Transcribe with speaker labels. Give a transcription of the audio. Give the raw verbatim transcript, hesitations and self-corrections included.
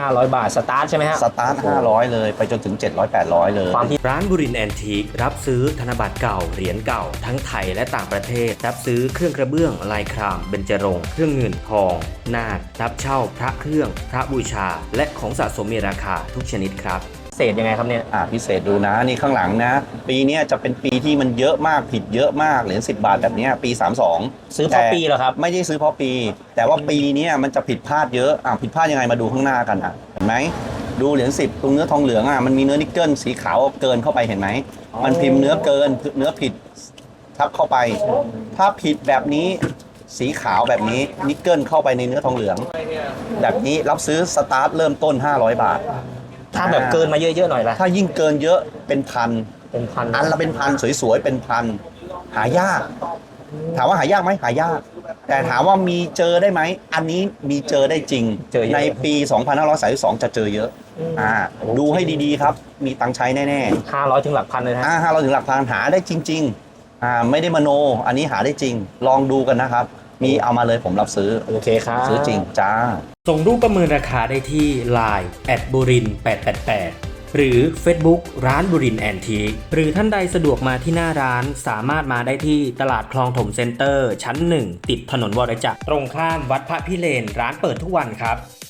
Speaker 1: ห้าร้อยบาทสตาร์ทใช่ไหมฮะ
Speaker 2: สตาร์ทห้าร้อยเลยไปจนถึงเจ็ดร้อย แปดร้อยเลย
Speaker 1: ความที่
Speaker 3: ร้านบุรินทร์แอนทีครับซื้อธนบัตรเก่าเหรียญเก่าทั้งไทยและต่างประเทศรับซื้อเครื่องกระเบื้องลายครามเบญจรงค์เครื่องเงินทองนาครับเช่าพระเครื่องพระบูชาและของสะสมมีราคาทุกชนิดครับ
Speaker 1: เศษยังไงครับเนี่ย
Speaker 2: อ่าพิเศษดูนะนี่ข้างหลังนะปีนี้จะเป็นปีที่มันเยอะมากผิดเยอะมากเหรียญสิบบาทแบบนี้ปีสามสิบสอง
Speaker 1: ซื้อเพราะปีเหรอครับ
Speaker 2: ไม่ได้ซื้อเพราะปีแต่ว่าปีนี้มันจะผิดพลาดเยอะอ่าผิดพลาดยังไงมาดูข้างหน้ากันอ่ะเห็นไหมดูเหรียญสิบตรงเนื้อทองเหลืองอ่ะมันมีเนื้อนิกเกิลสีขาวเกินเข้าไปเห็นไหมมันพิมพ์เนื้อเกินเนื้อผิดทับเข้าไปถ้าผิดแบบนี้สีขาวแบบนี้นิกเกิลเข้าไปในเนื้อทองเหลืองแบบนี้รับซื้อสตาร์ทเริ่มต้นห้าร้อยบาท
Speaker 1: ถ้าแบบเกินมาเยอะๆหน่อยละ
Speaker 2: ถ้ายิ่งเกินเยอะเป็นพัน
Speaker 1: เป็นพัน
Speaker 2: อันละเป็นพันสวยๆเป็นพันหายากถามว่าหายากไหมหายากแต่ถามว่ามีเจอได้ไหมอันนี้มีเจอได้จริงในปีสองพันห้าร้อยสามสิบสองจะเจอเยอะอ่าดูให้ดีๆครับมีตังค์ใช้แน่
Speaker 1: ๆห้าร้อยถึงหลักพันเลยนะ
Speaker 2: อ่าห้าร้อยถึงหลักพันหาได้จริงๆอ่าไม่ได้มโนอันนี้หาได้จริงลองดูกันนะครับมีเอามาเลยผมรับซื้อ
Speaker 1: โอเคครับ
Speaker 2: ซื้อจริงจ้า
Speaker 3: ส่งรูปประเมินราคาได้ที่ ไลน์ แอท บุรินทร์แปดแปดแปด หรือ Facebook ร้านบุรินทร์แอนทีคหรือท่านใดสะดวกมาที่หน้าร้านสามารถมาได้ที่ตลาดคลองถมเซ็นเตอร์ชั้นหนึ่งติดถนนวรจักรตรงข้ามวัดพระพิเรนร้านเปิดทุกวันครับ